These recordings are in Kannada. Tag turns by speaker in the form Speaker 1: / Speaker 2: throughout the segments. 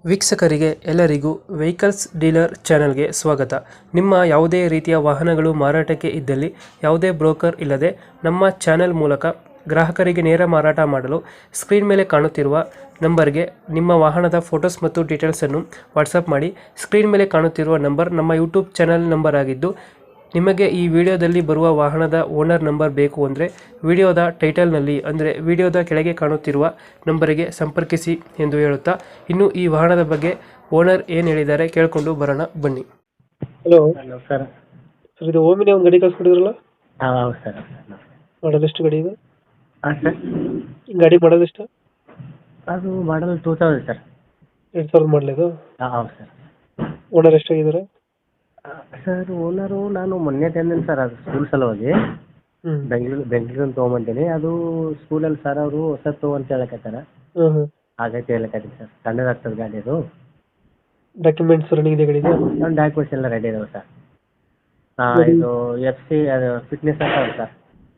Speaker 1: ವೀಕ್ಷಕರಿಗೆ ಎಲ್ಲರಿಗೂ ವೆಹಿಕಲ್ಸ್ ಡೀಲರ್ ಚಾನೆಲ್ಗೆ ಸ್ವಾಗತ. ನಿಮ್ಮ ಯಾವುದೇ ರೀತಿಯ ವಾಹನಗಳು ಮಾರಾಟಕ್ಕೆ ಇದ್ದಲ್ಲಿ ಯಾವುದೇ ಬ್ರೋಕರ್ ಇಲ್ಲದೆ ನಮ್ಮ ಚಾನೆಲ್ ಮೂಲಕ ಗ್ರಾಹಕರಿಗೆ ನೇರ ಮಾರಾಟ ಮಾಡಲು ಸ್ಕ್ರೀನ್ ಮೇಲೆ ಕಾಣುತ್ತಿರುವ ನಂಬರ್ಗೆ ನಿಮ್ಮ ವಾಹನದ ಫೋಟೋಸ್ ಮತ್ತು ಡೀಟೇಲ್ಸನ್ನು ವಾಟ್ಸಪ್ ಮಾಡಿ. ಸ್ಕ್ರೀನ್ ಮೇಲೆ ಕಾಣುತ್ತಿರುವ ನಂಬರ್ ನಮ್ಮ ಯೂಟ್ಯೂಬ್ ಚಾನೆಲ್ ನಂಬರ್ ಆಗಿದ್ದು, ನಿಮಗೆ ಈ ವಿಡಿಯೋದಲ್ಲಿ ಬರುವ ವಾಹನದ ಓನರ್ ನಂಬರ್ ಬೇಕು ಅಂದರೆ ವಿಡಿಯೋದ ಟೈಟಲ್ನಲ್ಲಿ ಅಂದರೆ ವಿಡಿಯೋದ ಕೆಳಗೆ ಕಾಣುತ್ತಿರುವ ನಂಬರಿಗೆ ಸಂಪರ್ಕಿಸಿ ಎಂದು ಹೇಳುತ್ತಾ, ಇನ್ನು ಈ ವಾಹನದ ಬಗ್ಗೆ ಓನರ್ ಏನು ಹೇಳಿದ್ದಾರೆ ಕೇಳಿಕೊಂಡು ಬರೋಣ ಬನ್ನಿ. Hello
Speaker 2: hello sir.
Speaker 1: ಸರ್, ಇದು ಓಮಿನಿ ಒಂದು ಗಾಡಿ ಕಳಿಸ್ಕೊಡಿದ್ರಲ್ಲ,
Speaker 2: ಹಾಂ ಹೌದು ಸರ್.
Speaker 1: ಮಾಡಲ್ ಎಷ್ಟು ಗಾಡಿ ಇದು?
Speaker 2: ಹಾಂ ಸರ್.
Speaker 1: ಗಾಡಿ ಮಾಡಲ್ ಎಷ್ಟು?
Speaker 2: ಅದು ಮಾಡಲ್ 2000 ಸರ್.
Speaker 1: 2000 ಮಾಡಲ್ ಇದು?
Speaker 2: ಹಾಂ ಹೌದು ಸರ್.
Speaker 1: ಓನರ್ ಎಷ್ಟಾಗಿದ್ದಾರೆ?
Speaker 2: ಸರ್ ಓನರು ನಾನು ಮೊನ್ನೆ ತಂದೇನೆ ಸರ್, ಅದು ಸ್ಕೂಲ್ ಸಲುವಾಗಿ ಬೆಂಗಳೂರಿಂದ ತೊಗೊಂಬಂದೇನೆ. ಅದು ಸ್ಕೂಲಲ್ಲಿ ಸರ್ ಅವರು ಹೊಸದು ತೊಗೊಂತ ಹೇಳಕತ್ತಾರ, ಹಾಗಾಗಿ ಹೇಳಕತ್ತೀನಿ ಸರ್. ಸಣ್ಣದಾಗ್ತದೆ ಗಾಡಿ ಅದು.
Speaker 1: ಡಾಕ್ಯುಮೆಂಟ್ಸ್ ರನ್ನಿಂಗ್ ಇದೆ ಗಾಡಿದು?
Speaker 2: ನನ್ನ ಡಾಕ್ಯುಮೆಂಟ್ಸ್ ಎಲ್ಲ ರೆಡಿ ಇದಾವೆ ಸರ್. ಇದು FC ಅದು ಫಿಟ್ನೆಸ್ ಆಗ್ತಾವಲ್ಲ ಸರ್,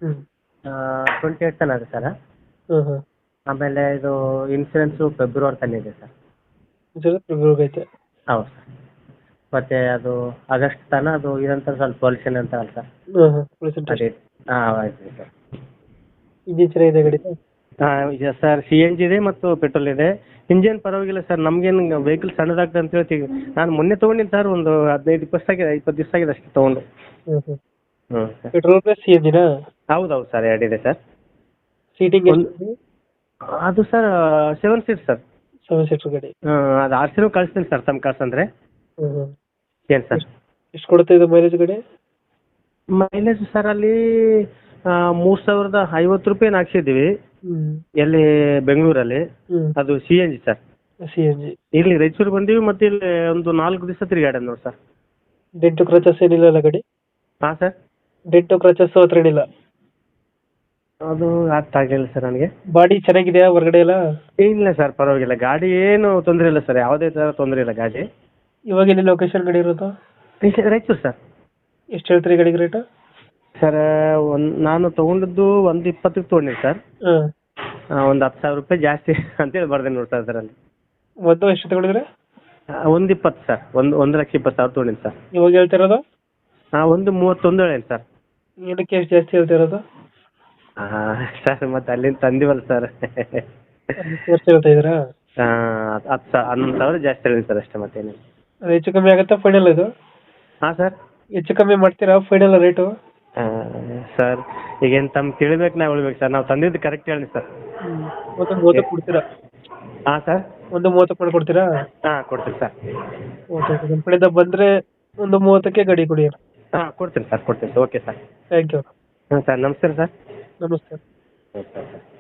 Speaker 2: 28 ತನಕ ಇದೆ ಸರ್. ಆಮೇಲೆ ಇದು ಇನ್ಸೂರೆನ್ಸು ಫೆಬ್ರವರಿ ತನಕ ಇದೆ ಸರ್.
Speaker 1: ಫೆಬ್ರವರಿ ಐತೆ?
Speaker 2: ಹೌದು ಸರ್. ಮತ್ತೆ ಅದು ಆಗಸ್ಟ್ ತನಕ ಅದು ಇದಂತ ಸ್ವಲ್ಪ ಪೊಲ್ಯೂಷನ್ ಅಂತ ಅಲ್ಲ ಸರ್. ಅದೇ ಹಾಂ ಆಯ್ತು ಸರ್.
Speaker 1: ಇಂಜಿನ್ ಚೆನ್ನಾಗಿದೆ ಗಾಡಿ?
Speaker 2: ಹಾಂ ಇದೆ ಸರ್. CNG ಇದೆ ಮತ್ತು ಪೆಟ್ರೋಲ್ ಇದೆ. ಇಂಜಿನ್ ಪರವಾಗಿಲ್ಲ ಸರ್. ನಮ್ಗೇನು ವೆಹಿಕಲ್ ಸಣ್ಣದಾಗ್ತದೆ ಅಂತ ಹೇಳ್ತೀವಿ. ನಾನು ಮೊನ್ನೆ ತೊಗೊಂಡಿನಿ ಸರ್, ಒಂದು 15-20 ಆಗಿದೆ, 20 ದಿವಸ ಆಗಿದೆ ಅಷ್ಟೇ ತೊಗೊಂಡು. ಹ್ಞೂ ಸರ್.
Speaker 1: Petrol plus CNG?
Speaker 2: ಹೌದು ಸರ್, ಎರಡಿದೆ ಸರ್.
Speaker 1: ಸೀಟಿಂಗ್
Speaker 2: ಅದು ಸರ್ 7 ಸೀಟ್ ಸರ್.
Speaker 1: 7 ಸೀಟರ್ ಗಾಡಿ?
Speaker 2: ಅದು RC ಕಳಿಸ್ತೀನಿ ಸರ್, ತಮ್ಮ ಕಳ್ಸಂದ್ರೆ. ಏನು ಸರ್?
Speaker 1: ಎಷ್ಟು ಕೊಡುತ್ತೆ ಇದು ಮೈಲೇಜ್ ಗಾಡಿ?
Speaker 2: ಮೈಲೇಜ್ ಸರ್ ಅಲ್ಲಿ 3050 ರೂಪಾಯಿ ಹಾಕ್ಸಿದ್ದೀವಿ ಎಲ್ಲಿ ಬೆಂಗಳೂರಲ್ಲಿ. ಅದು CNG ಸರ್.
Speaker 1: CNG
Speaker 2: ಇಲ್ಲಿ ರಾಯಚೂರು ಬಂದೀವಿ, ಮತ್ತೆ ಇಲ್ಲಿ ಒಂದು 4 ದಿವಸ ತಿರುಗಾಡ ನೋಡಿ ಸರ್.
Speaker 1: ಡೆಂಟು ಕ್ರಚಸ್ ಏನಿಲ್ಲ ಅಲ್ಲ ಗಾಡಿ?
Speaker 2: ಹಾಂ ಸರ್.
Speaker 1: ಡೆಂಟು ಕ್ರಚಸ್ ಹತ್ರ ಏನಿಲ್ಲ?
Speaker 2: ಅದು ಅರ್ಥ ಆಗಲಿಲ್ಲ ಸರ್ ನನಗೆ.
Speaker 1: ಬಾಡಿ ಚೆನ್ನಾಗಿದೆಯಾ ಹೊರಗಡೆ ಎಲ್ಲ?
Speaker 2: ಇಲ್ಲ ಸರ್, ಪರವಾಗಿಲ್ಲ. ಗಾಡಿ ಏನು ತೊಂದರೆ ಇಲ್ಲ ಸರ್, ಯಾವುದೇ ಥರ ತೊಂದರೆ ಇಲ್ಲ ಗಾಡಿ.
Speaker 1: ಇವಾಗ ಎಲ್ಲಿ ಲೊಕೇಶನ್ ಗಾಡಿ ಇರೋದು?
Speaker 2: ರಾಯಚೂರು ಸರ್.
Speaker 1: ಎಷ್ಟು ಹೇಳ್ತೀರಿ ಗಾಡಿಗೆ ರೇಟು?
Speaker 2: ಸರ್ ನಾನು ತೊಗೊಂಡದ್ದು 120ಕ್ಕೆ ತೊಗೊಂಡಿನಿ ಸರ್. ಒಂದು 10,000 ರೂಪಾಯಿ ಜಾಸ್ತಿ ಅಂತೇಳಿ ಬರ್ದೇನೆ ನೋಡಿ ಸರ್ ಅದರಲ್ಲಿ.
Speaker 1: ಒಂದು ಎಷ್ಟು ತಗೊಂಡಿದ್ರೆ?
Speaker 2: 120 ಸರ್. 1,20,000 ತೊಗೊಂಡಿನಿ ಸರ್.
Speaker 1: ಇವಾಗ ಹೇಳ್ತಿರೋದು?
Speaker 2: 131 ಹೇಳೇನು ಸರ್.
Speaker 1: ಏನಕ್ಕೆ ಎಷ್ಟು ಜಾಸ್ತಿ ಹೇಳ್ತಿರೋದು?
Speaker 2: ಸರ್ ಮತ್ತೆ ಅಲ್ಲಿಂದ ತಂದಿವಲ್ಲ ಸರ್.
Speaker 1: ಎಷ್ಟು ಹೇಳ್ತಾ ಇದ್ದೀರಾ?
Speaker 2: 11,000 ಜಾಸ್ತಿ ಹೇಳೀನಿ ಸರ್, ಅಷ್ಟೇ ಮತ್ತೇನಿಲ್ಲ.
Speaker 1: ಅದು ಹೆಚ್ಚು ಕಮ್ಮಿ ಆಗುತ್ತಾ ಫೈನಲ್ ಇದು?
Speaker 2: ಹಾಂ ಸರ್.
Speaker 1: ಹೆಚ್ಚು ಕಮ್ಮಿ ಮಾಡ್ತೀರಾ ಫೈನಲ್ ರೇಟು?
Speaker 2: ಸರ್ ಈಗೇನು ತಮ್ಮ ಕೇಳಬೇಕು, ನಾವು ಹೇಳ್ಬೇಕು ಸರ್. ನಾವು ತಂದಿದ್ದು ಕರೆಕ್ಟ್ ಹೇಳಿ ಸರ್.
Speaker 1: ಒಂದು 30ಕ್ಕೆ ಕೊಡ್ತೀರಾ?
Speaker 2: ಹಾಂ ಸರ್.
Speaker 1: ಒಂದು 30ಕ್ಕೆ ಮಾಡಿಕೊಡ್ತೀರಾ?
Speaker 2: ಹಾಂ ಕೊಡ್ತೀನಿ ಸರ್.
Speaker 1: ಓಕೆ, ನಮ್ಮ ಕಡೆಯಿಂದ ಬಂದರೆ ಒಂದು 30ಕ್ಕೆ ಗಾಡಿ ಕೊಡಿ.
Speaker 2: ಹಾಂ ಕೊಡ್ತೀನಿ ಸರ್, ಕೊಡ್ತೀನಿ. Okay sir.
Speaker 1: Thank you.
Speaker 2: ಹಾಂ sir, namaste sir.
Speaker 1: Namaste.
Speaker 2: Okay sir.